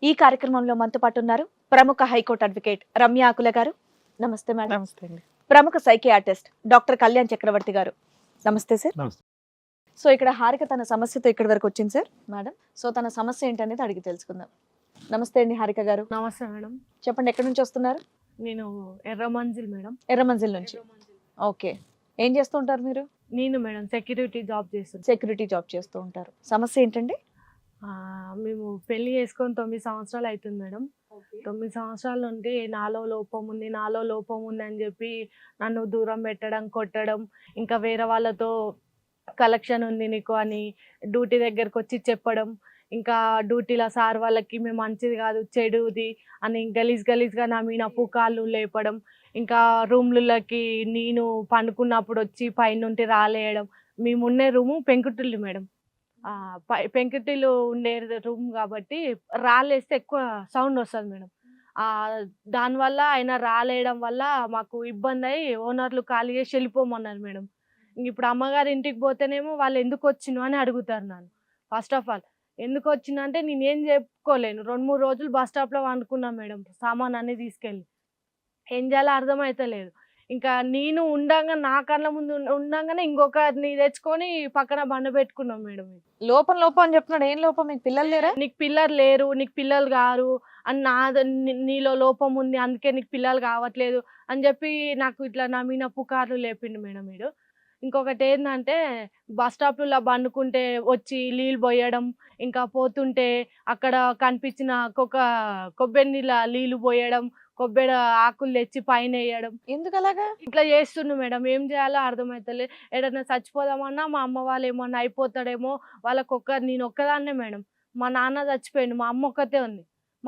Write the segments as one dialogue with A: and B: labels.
A: ఈ కార్యక్రమంలో మనతో పాటు ఉన్నారు ప్రముఖ హైకోర్టు అడ్వకేట్ రమ్య ఆకుల గారు. నమస్తే మేడం.
B: నమస్తే అండి.
A: ప్రముఖ సైకియాట్రిస్ట్ డాక్టర్ కళ్యాణ్ చక్రవర్తి గారు. నమస్తే సార్.
C: నమస్తే.
A: సో ఇక్కడ హారిక తన సమస్యతో ఇక్కడి వరకు వచ్చింది సార్ మేడం. సో తన సమస్య ఏంటనేది అడిగి తెలుసుకుందాం. నమస్తే అండి హారిక గారు.
D: నమస్తే మేడం.
A: చెప్పండి, ఎక్కడి నుంచి వస్తున్నారు?
D: నేను ఎర్రమంజిల్ మేడం.
A: ఎర్రమంజిల్ నుంచి. ఓకే, ఏం చేస్తూ ఉంటారు మీరు?
D: నేను మేడం సెక్యూరిటీ జాబ్ చేస్తాను.
A: సెక్యూరిటీ జాబ్ చేస్తూ ఉంటారు. సమస్య ఏంటండి?
D: మేము పెళ్లి చేసుకొని 9 సంవత్సరాలు అవుతుంది మేడం. 9 సంవత్సరాల నుండి నాలో లోపం ఉంది అని చెప్పి నన్ను దూరం పెట్టడం, కొట్టడం, ఇంకా వేరే వాళ్ళతో కలెక్షన్ ఉంది నీకు అని డ్యూటీ దగ్గరకు వచ్చి చెప్పడం, ఇంకా డ్యూటీలో సార్ వాళ్ళకి మేము మంచిది కాదు చెడుది అని గలీజ్గా నా మీద పుకార్లు లేపడం, ఇంకా రూమ్లకి నేను పండుకున్నప్పుడు వచ్చి పైనుండి రాలేయడం. మేముండే రూము పెంకుటిల్లు మేడం. పెంకుటిల్లు ఉండే రూమ్ కాబట్టి రాలేస్తే ఎక్కువ సౌండ్ వస్తుంది మేడం. దానివల్ల ఆయన రాలేయడం వల్ల మాకు ఇబ్బంది అయ్యి ఓనర్లు ఖాళీ చేసి వెళ్ళిపోమన్నారు మేడం. ఇప్పుడు అమ్మగారి ఇంటికి పోతేనేమో వాళ్ళు ఎందుకు వచ్చినావు అని అడుగుతారు నన్ను. ఫస్ట్ ఆఫ్ ఆల్ ఎందుకు వచ్చినా అంటే నేను ఏం చెప్పుకోలేను. 2-3 రోజులు బస్ స్టాప్లో వండుకున్నాను మేడం, సామాన్ అన్ని తీసుకెళ్ళి. ఏం చేయాలో అర్థమవుతలేదు. ఇంకా నేను ఉండంగా నా కళ్ళ ముందు ఉండంగానే ఇంకొకరిని తెచ్చుకొని పక్కన బండ పెట్టుకున్నాం మేడం.
A: లోపం అని చెప్తున్నాడు. ఏం లోపం? మీకు పిల్లలు లేరా?
D: నీకు పిల్లలు లేరు, నీకు పిల్లలు కారు అని నీలో లోపం ఉంది, అందుకే నీకు పిల్లలు కావట్లేదు అని చెప్పి నాకు ఇట్లా నా మీద పుకార్లు లేపిండు మేడం వీడు. ఇంకొకటి ఏంటంటే బస్ స్టాప్లో బండుకుంటే వచ్చి నీళ్ళు పోయడం, ఇంకా పోతుంటే అక్కడ కనిపించిన కొబ్బరి నీళ్ళు పోయడం, కొబ్బరి ఆకులు తెచ్చి పైన వేయడం.
A: ఎందుకు అలాగా
D: ఇట్లా చేస్తుండు మేడం. ఏం చేయాలో అర్థమవుతలే. ఏదైనా చచ్చిపోదామన్నా మా అమ్మ వాళ్ళు ఏమన్నా అయిపోతాడేమో నేను ఒక్కదాన్నే మేడం. మా నాన్న చచ్చిపోయిండు, మా అమ్మ ఒక్కతే ఉంది.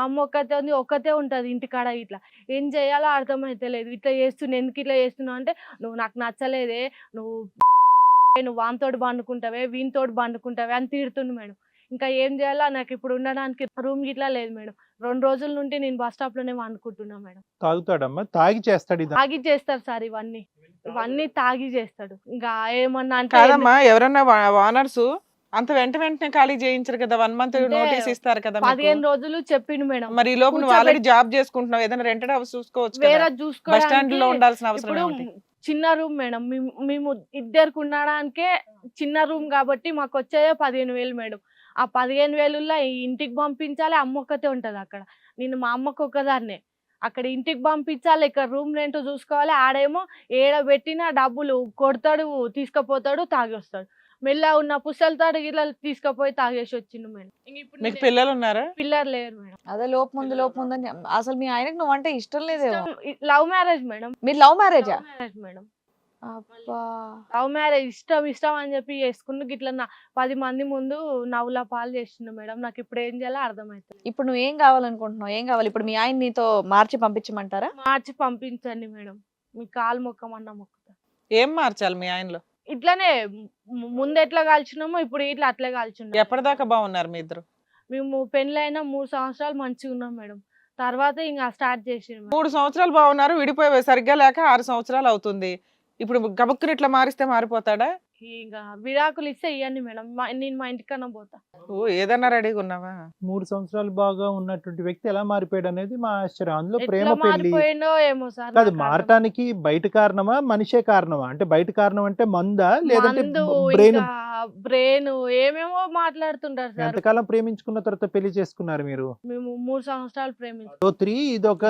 D: ఒక్కతే ఉంటుంది ఇంటికాడ. ఇట్లా ఏం చేయాలో అర్థమవుతలేదు. ఇట్లా ఎందుకు ఇట్లా చేస్తున్నావు అంటే, నువ్వు నాకు నచ్చలేదే, నువ్వు వానితోటి పండుకుంటావే, వీనితోటి పండుకుంటావే అని తిడుతుండు మేడం. ఇంకా ఏం చేయాలో నాకు ఇప్పుడు ఉండడానికి రూమ్ గిట్లా లేదు మేడం. 2 రోజుల నుండి నేను బస్ స్టాప్ లోనే వండుకుంటున్నా మేడం.
C: తాగుతాడమ్మా? తాగి చేస్తాడు?
D: తాగి చేస్తారు సార్, ఇవన్నీ తాగి చేస్తాడు. ఇంకా ఏమన్నా అంటే
B: కాదమ్మా, ఎవరన్నా ఓనర్స్ అంత వెంటనే ఖాళీ చేయించరు కదా, 1 month నోటీస్ ఇస్తారు కదా.
D: 15 రోజులు చెప్పిండు మేడం.
B: మరి ఈ లోపు నువ్వు ఆల్రెడీ జాబ్ చేసుకుంటున్నావు, ఏదైనా రెంటెడ్ హౌస్ చూసుకోవచ్చు
D: వేరే
B: కదా. బస్ స్టాండ్ లో ఉండాల్సిన అవసరం
D: ఇప్పుడు
B: ఏంటి?
D: చిన్న రూమ్ మేడం. మేము ఇద్దరికి ఉండడానికే చిన్న రూమ్ కాబట్టి మాకు వచ్చేదే 15,000 మేడం. ఆ 15,000 ఇంటికి పంపించాలి. అమ్మ ఒక్కతే ఉంటది అక్కడ. నేను మా అమ్మకు ఒక్కదాన్నే. అక్కడ ఇంటికి పంపించాలి, ఇక్కడ రూమ్ రెంట్ చూసుకోవాలి. ఆడేమో ఏడబెట్టిన డబ్బులు కొడతాడు, తీసుకుపోతాడు, తాగి వస్తాడు. మెల్ల ఉన్న పుస్తలతాడు ఇలా తీసుకుపోయి తాగేసి వచ్చిండు మేడం.
B: మీకు పిల్లలు ఉన్నారా?
D: పిల్లలు లేరు మేడం.
A: అదే లోపం ఉందని. అసలు మీ ఆయనకు నువ్వు అంటే ఇష్టం లేదేమో.
D: Love marriage madam.
A: మీరు లవ్ మ్యారేజా?
D: మేడం.
A: అబ్బా,
D: లవ్ మ్యారేజ్ ఇష్టం అని చెప్పి చేసుకున్న గిట్లా 10 మంది ముందు నవ్వుల పాలు చేస్తుండు మేడం. నాకు ఇప్పుడు ఏం చేయాలో అర్థమవుతుంది.
A: ఇప్పుడు నువ్వు ఏం కావాలనుకుంటున్నావు? ఏం కావాలి ఇప్పుడు? మీ ఆయన నీతో మార్చి పంపించమంటారా?
D: మార్చి పంపించండి మేడం. మీ కాలు మొక్కమన్నా మొక్కుతా.
B: ఏం మార్చాలి మీ ఆయనలో?
D: ఇట్లానే ముందు ఎట్లా కాల్చినామో ఇప్పుడు ఇట్లా అట్లే కాల్చున్నాం.
B: ఎప్పటిదాకా బాగున్నారు మీ ఇద్దరు?
D: మేము పెళ్ళైన 3 సంవత్సరాలు మంచిగా ఉన్నాం మేడం. తర్వాత ఇంకా స్టార్ట్ చేసిండు.
B: 3 సంవత్సరాలు బాగున్నారు, విడిపోయి సరిగ్గా లేక 6 సంవత్సరాలు అవుతుంది. ఇప్పుడు గబుక్కుని ఇట్లా మారిస్తే మారిపోతాడా?
D: ఇంకా విడాకులు ఇస్తే ఇవ్వండి మేడం, నేను మా ఇంటికన్నా పోతా.
B: ఓ, ఏదన్నా రెడీగా ఉన్నావా?
C: 3 సంవత్సరాలు బాగా ఉన్నటువంటి వ్యక్తి ఎలా మారిపోయాడు అనేది మా ఆశ్చర్యం. అందులో ప్రేమ
D: ఎట్లా
C: పెళ్లి
D: మారిపోయిండో ఏమో సార్.
C: కాదు, మారటానికి బయట కారణమా మనిషే కారణమా? అంటే బయట కారణం అంటే మందా లేదంటే
D: బ్రెయిన్ ఏమేమో మాట్లాడుతుంటారు సార్.
C: ఎంతకాలం ప్రేమించుకున్న తర్వాత పెళ్లి చేసుకున్నారు మీరు?
D: మేము 3 సంవత్సరాలు ప్రేమించాం.
C: 3 ఇదొక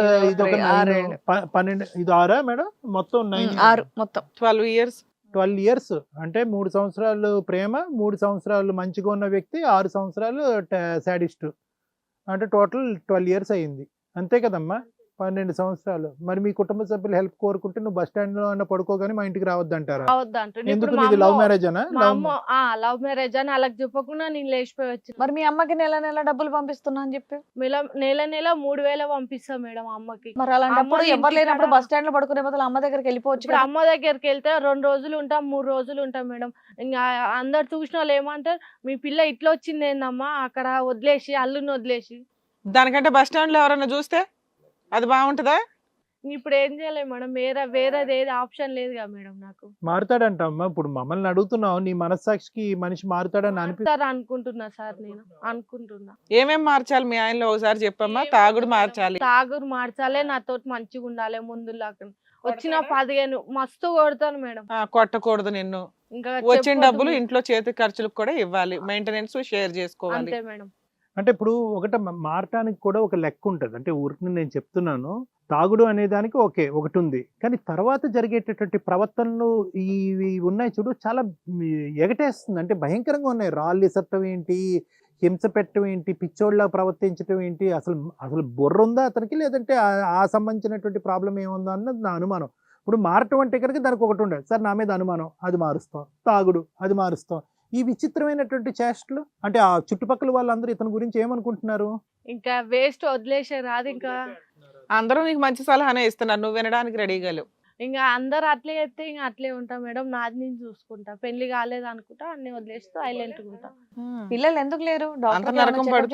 C: 12 ఇది 6 మేడం? మొత్తం 9
A: 6 మొత్తం
B: 12 years.
C: 12 years అంటే 3 సంవత్సరాలు ప్రేమ, 3 సంవత్సరాలు మంచిగా ఉన్న వ్యక్తి, 6 సంవత్సరాలు సాడిస్ట్. అంటే టోటల్ 12 years అయింది, అంతే కదమ్మా? 12 సంవత్సరాలు. మరి మీ కుటుంబ సభ్యులు హెల్ప్ కోరుకుంటే నువ్వు బస్ స్టాండ్ లో అన్న పడుకోగానే మా ఇంటికి రావద్దంటారా? ఎందుకు? నీది లవ్ మ్యారేజ్ అనా?
D: లవ్ మ్యారేజ్ అని అలా చెప్పకుండా నేను లేచిపోయి వచ్చి.
A: మరి మీ అమ్మకి నెల డబ్బులు పంపిస్తున్నా అని చెప్పి
D: నెల 3,000 పంపిస్తా మేడం అమ్మకి.
A: మరి అలాంటప్పుడు ఎవరు లేనప్పుడు బస్ స్టాండ్ లో పడుకునే బదులు అమ్మ దగ్గరికి వెళ్ళిపోవచ్చు.
D: ఇప్పుడు అమ్మ దగ్గరికి వెళ్తే 2 రోజులు ఉంటాం, 3 రోజులు ఉంటాం మేడం. ఇంకా అందరు చూసిన వాళ్ళు ఏమంటారు, మీ పిల్ల ఇట్లా వచ్చింది ఏందమ్మా అక్కడ వదిలేసి, అల్లుని వదిలేసి.
B: దానికంటే బస్ స్టాండ్ లో ఎవరన్నా చూస్తే అది బాగుంటుందా?
D: ఇప్పుడు ఏం చేయలేము మేడం, వేరేది ఏది ఆప్షన్ లేదు కదా మేడం నాకు.
C: మారుతాడంట అమ్మా. ఇప్పుడు మమ్మల్ని అడుగుతున్నావు, నీ మనస్సాక్షికి ఈ మనిషి మారుతాడని
D: మారుతారు అనుకుంటున్నా సార్, నేను అనుకుంటున్నా.
B: ఏమేం మార్చాలి మీ ఆయనలో ఒకసారి చెప్పమ్మా. తాగుడు మార్చాలి,
D: తాగుడు మార్చాలే, నాతో మంచిగా ఉండాలి, ముందులాగా వచ్చిన 15 మస్తు కొడతాను మేడం.
B: కొట్టకూడదు నిన్ను,
D: ఇంకా
B: వచ్చిన
D: చెప్పొద్దు
B: డబ్బులు
D: మేడం.
B: ఇంట్లో చేతి ఖర్చులకు కూడా ఇవ్వాలి, మెయింటెనెన్స్ షేర్ చేసుకోవాలి.
D: అంతే మేడం.
C: అంటే ఇప్పుడు ఒకటి మారటానికి కూడా ఒక లెక్క ఉంటుంది. అంటే ఊరికి నేను చెప్తున్నాను, తాగుడు అనే దానికి ఓకే ఒకటి ఉంది, కానీ తర్వాత జరిగేటటువంటి ప్రవర్తనలు ఇవి ఉన్నాయి చూడు, చాలా ఎగటేస్తుంది. అంటే భయంకరంగా ఉన్నాయి. రాళ్ళు ఇసట్టం ఏంటి, హింస పెట్టడం ఏంటి, పిచ్చోళ్ళ ప్రవర్తించడం ఏంటి, అసలు అసలు బుర్ర ఉందా అతనికి, లేదంటే ఆ సంబంధించినటువంటి ప్రాబ్లం ఏముందా అన్నది నా అనుమానం. ఇప్పుడు మారటం అంటే కనుక దానికి ఒకటి ఉండదు, సార్ నా మీద అనుమానం, అది మారుస్తాం. తాగుడు, అది మారుస్తాం. ఈ విచిత్రమైనటువంటి చేష్టలు, అంటే ఆ చుట్టుపక్కల వాళ్ళందరూ ఇతని గురించి ఏమనుకుంటున్నారు?
D: ఇంకా వేస్ట్ వదిలేసే రాదు. ఇంకా
B: అందరూ నీకు మంచి సలహానే ఇస్తున్నారు, నువ్వు వినడానికి రెడీగా లేవు.
D: ఇంకా అందరు అట్లే చెప్తే ఇంకా అట్లే ఉంటా మేడం. నాది నేను చూసుకుంటా, పెళ్లి కాలేదు అనుకుంటా, అన్ని వదిలేస్తూ సైలెంట్ ఉంటా.
A: పిల్లలు ఎందుకు లేరు?
B: అంత
A: డాక్టర్
B: నరకం పడుతూ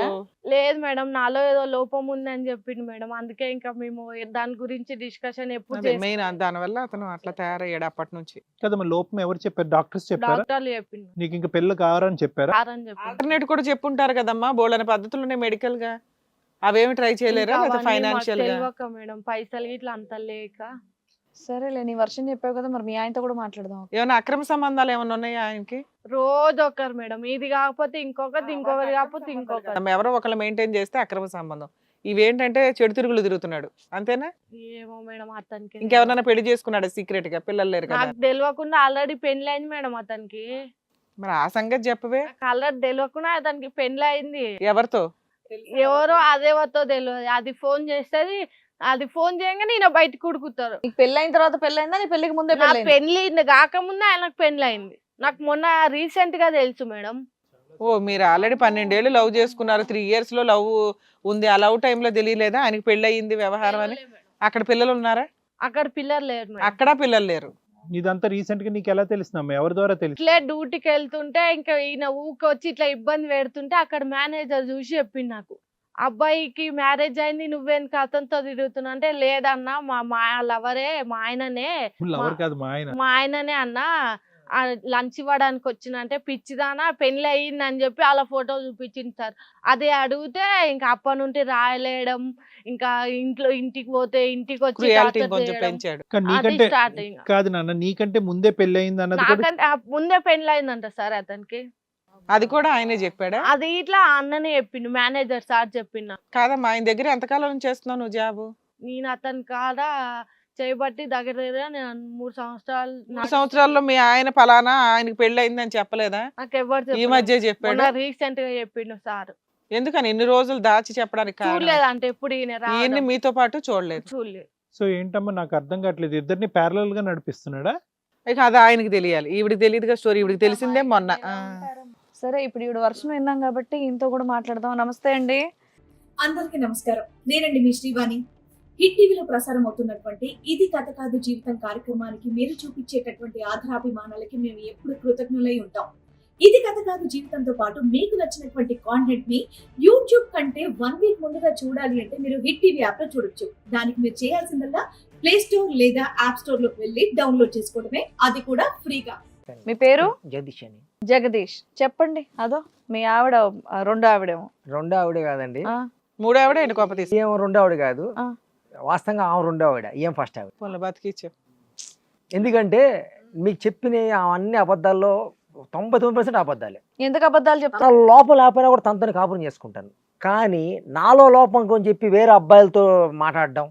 D: లేదు మేడం, నాలో ఏదో లోపం ఉంది అని చెప్పిండు మేడం. అందుకే ఇంకా మేము దాని గురించి డిస్కషన్ ఎప్పుడు
B: మెయిన్ దానివల్ల అతను అట్లా తయారయ్యాడు అప్పటి నుంచి.
C: కదమ్మా, లోపం ఎవరు చెప్పారు? డాక్టర్స్ చెప్పారా?
D: డాక్టర్లు చెప్పిండు
C: నీకు ఇంకా పిల్లలు కావాలని చెప్పారా?
D: అని చెప్పిండు.
B: ఆల్టర్నేట్ కూడా చెప్పుంటారు కదమ్మా, బోల్డని పద్ధతులు ఉన్నాయి మెడికల్ గా, అవేమి ట్రై చేయలేరా?
D: ఇంకా
B: లేదా
D: అవన్నీ మాకు
B: ఫైనాన్షియల్ గా?
D: తెలియక మేడం, పైసలు ఇట్లా అంత లేక.
A: సరేలే, నీ వర్షం చెప్పావు కదా, మరి మీ ఆయనతో కూడా మాట్లాడదాం.
B: ఏమైనా అక్రమ సంబంధాలు ఏమైనా ఉన్నాయా ఆయనకి?
D: రోజు ఒకరు మేడం, ఇది కాకపోతే ఇంకొకటి, ఇంకొకటి కాకపోతే ఇంకొకటి.
B: ఎవరో ఒకళ్ళు మెయింటైన్ చేస్తే అక్రమ సంబంధం. ఇవేంటంటే చెడు తిరుగులు తిరుగుతున్నాడు అంతేనా?
D: ఏమో మేడం, అతనికి
B: ఇంకెవరన్నా పెళ్లి చేసుకున్నాడు సీక్రెట్ గా? పిల్లలు లేరు కదా?
D: నాకు తెలియకుండా ఆల్రెడీ పెళ్లి అయింది మేడం అతనికి.
B: మరి ఆ సంగతి చెప్పవే.
D: నాకు ఆల్రెడీ తెలియకుండా అతనికి పెళ్లి అయింది.
B: ఎవరితో?
D: ఎవరో అదేవతో తెలియదు. అది ఫోన్ చేస్తుంది, అది ఫోన్ చేయగానే ఈయన బయటకు ఉడుకుతారు.
A: నీకు పెళ్లి అయిన తర్వాత పెళ్లి అయిందా, నీ పెళ్లికి ముందే
D: నా
A: పెళ్లి?
D: పెళ్లి కాకముందే ఆయనకు పెళ్లి అయింది. నాకు మొన్న రీసెంట్ గా తెలుసు మేడం.
B: ఓ, మీరు ఆల్రెడీ 12 ఏళ్ళు లవ్ చేసుకున్నారు, 3 years లో లవ్ ఉంది. ఆ లవ్ టైంలో తెలియలేదా ఆయనకి పెళ్లి అయ్యింది వ్యవహారం అని? అక్కడ పిల్లలు ఉన్నారా?
D: అక్కడ పిల్లలు లేరు మేడం.
B: అక్కడ పిల్లలు లేరు.
C: ఇదంతా రీసెంట్ గా నీకు ఎలా తెలుస్తుందమ్మా? ఎవరి ద్వారా తెలుసు?
D: ఇట్లే డ్యూటీకి వెళ్తుంటే ఇంకా ఈయన ఊకొచ్చి ఇట్లా ఇబ్బంది పెడుతుంటే అక్కడ మేనేజర్ చూసి చెప్పింది నాకు, అబ్బాయికి మ్యారేజ్ అయింది, నువ్వేందుకు అతనితో తిరుగుతున్నా అంటే, లేదన్నా మా లవరే, మా ఆయననే,
C: లవర్ కాదు మా ఆయన.
D: మా ఆయననే అన్న లంచ్ ఇవ్వడానికి వచ్చిన అంటే, పిచ్చిదానా పెళ్లి అయ్యింది అని చెప్పి అలా ఫోటో చూపించింది సార్. అదే అడిగితే ఇంకా అప్పటి నుండి రాయలేయడం, ఇంకా ఇంటికి పోతే ఇంటికి వచ్చి
B: క్రుయాలిటీ
D: torture
B: కొంచెం
D: చేయడం.
B: పెంచాడు.
C: కానీ
D: అది
C: నీకంటే
D: స్టార్ట్ ఇంకా.
C: కాదు నాన్న, నీకంటే ముందే పెళ్లి అయింది అన్నది కూడా
D: నాకంటే ముందే పెళ్లి అయిందంట సార్ అతనికి.
B: అది కూడా ఆయనే చెప్పాడా?
D: అది ఇట్లా అన్ననే చెప్పిండు, మేనేజర్ సార్ చెప్పిండు.
B: కాదమ్మా, ఆయన దగ్గర ఎంతకాలం నుంచి చేస్తున్నావు నువ్వు జాబ్?
D: నేను అతని కాడ చేయబట్టి దగ్గర నేను 3 సంవత్సరాలు.
B: 3 సంవత్సరాల్లో మీ ఆయన ఫలానా ఆయనకి పెళ్లి అయింది అని చెప్పలేదా?
D: నాకు ఎవరు
B: ఈ మధ్య చెప్పాడు.
D: రీసెంట్ గా చెప్పిండు సార్.
B: ఎందుకని ఇన్ని రోజులు దాచి చెప్పడానికి కారణం?
D: చూడలేదు అంటే ఎప్పుడు ఈయన
B: ఈయన్ని
D: రావడం
B: మీతో పాటు చూడలేదు.
D: చూడలేదు.
C: సో ఏంటమ్మా నాకు అర్థం కావట్లేదు, ఇద్దరిని ప్యారలల్ గా నడిపిస్తున్నాడా?
B: ఇక అది ఆయనకి తెలియాలి, ఈవిడికి తెలియదుగా స్టోరీ. ఈవిడికి తెలిసిందే మొన్న.
A: సరే, ఇప్పుడు ఈవిడ వర్షం విన్నాం కాబట్టి ఈయనతో కూడా మాట్లాడదాం. నమస్తే అండి.
E: అందరికీ నమస్కారం. నేనండి మీ శ్రీవాణి. హిట్ టీవీలో ప్రసారం అవుతున్నటువంటి ఇది కథ కాదు జీవితం కార్యక్రమానికి మీరు చూపించేటటువంటి ఆధారాభిమానాలకి మేము ఎప్పుడు కృతజ్ఞులై ఉంటాం. ఇది కథ కాదు జీవితంతో పాటు మీకు నచ్చినటువంటి కాంటెంట్ ని యూట్యూబ్ కంటే 1 week ముందుగా చూడాలి అంటే మీరు హిట్ టీవీ యాప్ లో చూడొచ్చు. దానికి మీరు చేయాల్సిందల్లా ప్లే స్టోర్ లేదా యాప్ స్టోర్ లోకి వెళ్ళి డౌన్లోడ్ చేసుకోవడమే, అది కూడా ఫ్రీగా.
A: మీ పేరు?
F: జగదీష్ అని.
A: జగదీష్. చెప్పండి. అదో మీ ఆవిడ రెండో ఆవిడేమో.
F: రెండో ఆవిడే కాదండి,
A: ఆ,
B: మూడో ఆవిడ ఆయన కోప తీసి
F: ఏం రెండో ఆవిడ కాదు.
A: ఆ.
F: వాస్తవంగా ఆమె రెండో ఆవిడ, ఏం ఫస్ట్ ఆవిడ.
B: బతికిచ్చు.
F: ఎందుకంటే మీకు చెప్పిన అవన్నీ అబద్ధాల్లో 99% అబద్ధాలే.
A: ఎందుకు అబద్ధాలు చెప్తా?
F: తన లోపల లేకపోయినా కూడా తనతో కాపురం చేసుకుంటాను, కానీ నాలో లోపం కొని చెప్పి వేరే అబ్బాయిలతో మాట్లాడడం,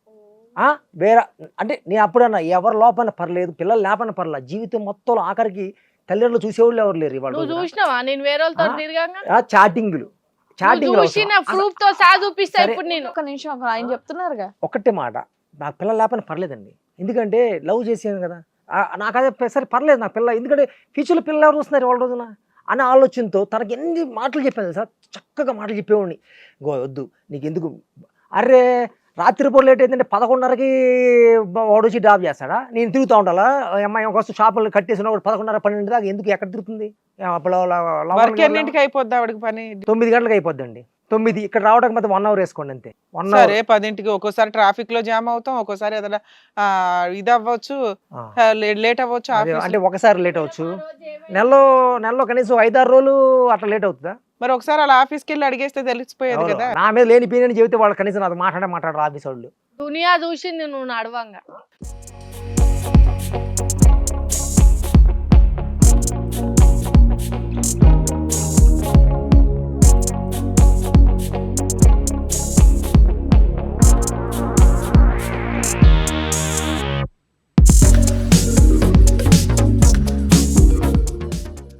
F: వేరే అంటే నేను అప్పుడన్నా ఎవరి లోపల పర్లేదు, పిల్లలు లేపన పర్లేదు, జీవితం మొత్తం ఆఖరికి తల్లిదండ్రులు చూసేవాళ్ళు ఎవరు లేరు ఇవాళ.
D: నువ్వు చూసినావా నేను వేరే వాళ్ళతో తిరగంగా?
F: చాటింగ్లు
D: చూసిన ప్రూఫ్ తో సహా చూపిస్తా ఇప్పుడు నేను.
A: ఒక నిమిషం, ఆయన చెప్తున్నారుగా.
F: ఒకటే మాట, నాకు పిల్లలు లేపని పర్లేదండి, ఎందుకంటే లవ్ చేసాను కదా, నాకు అదే సరే పర్లేదు నాకు పిల్ల, ఎందుకంటే ఫ్యూచర్లో పిల్లలు ఎవరు వస్తున్నారు వాళ్ళ రోజున అనే ఆలోచనతో తనకి ఎన్ని మాటలు చెప్పాను సార్, చక్కగా మాటలు చెప్పేవాడిని. వద్దు నీకు ఎందుకు, అరే రాత్రిపూట లేట్ ఏంటంటే 11:30కి వాడు వచ్చి డ్రాప్ చేస్తాడా, నేను తిరుగుతూ ఉండాలా, అమ్మాయి కోసం షాపులు కట్టేసిన 11:30 12 దాకా ఎందుకు, ఎక్కడ తిరుగుతుంది?
B: వర్క్ ఎన్నింటికి అయిపోద్ది ఆవిడకి పని?
F: 9 గంటలకు అయిపోద్దండి. 9 ఇక్కడ రావడానికి మాత్రం 1 అవర్ వేసుకోండి అంతే. 1 అవర్.
B: సరే 10కి ఒక్కోసారి ట్రాఫిక్ లో జామ్ అవుతాం, ఒక్కోసారి ఏదైనా ఇది అవ్వచ్చు, లేట్ అవ్వచ్చు ఆఫీస్.
F: అంటే ఒకసారి లేట్ అవ్వచ్చు, నెలలో కనీసం 5-6 రోజులు అట్లా లేట్ అవుతుందా?
B: మరి ఒకసారి అలా ఆఫీస్కి వెళ్ళి అడిగేస్తే తెలిసిపోయేది కదా.
F: నా మీద లేని పీని చెబితే వాళ్ళు కనీసం నాతో మాట్లాడరు ఆఫీస్ వాళ్ళు.
D: దునియా చూసింది నువ్వు నడవంగా.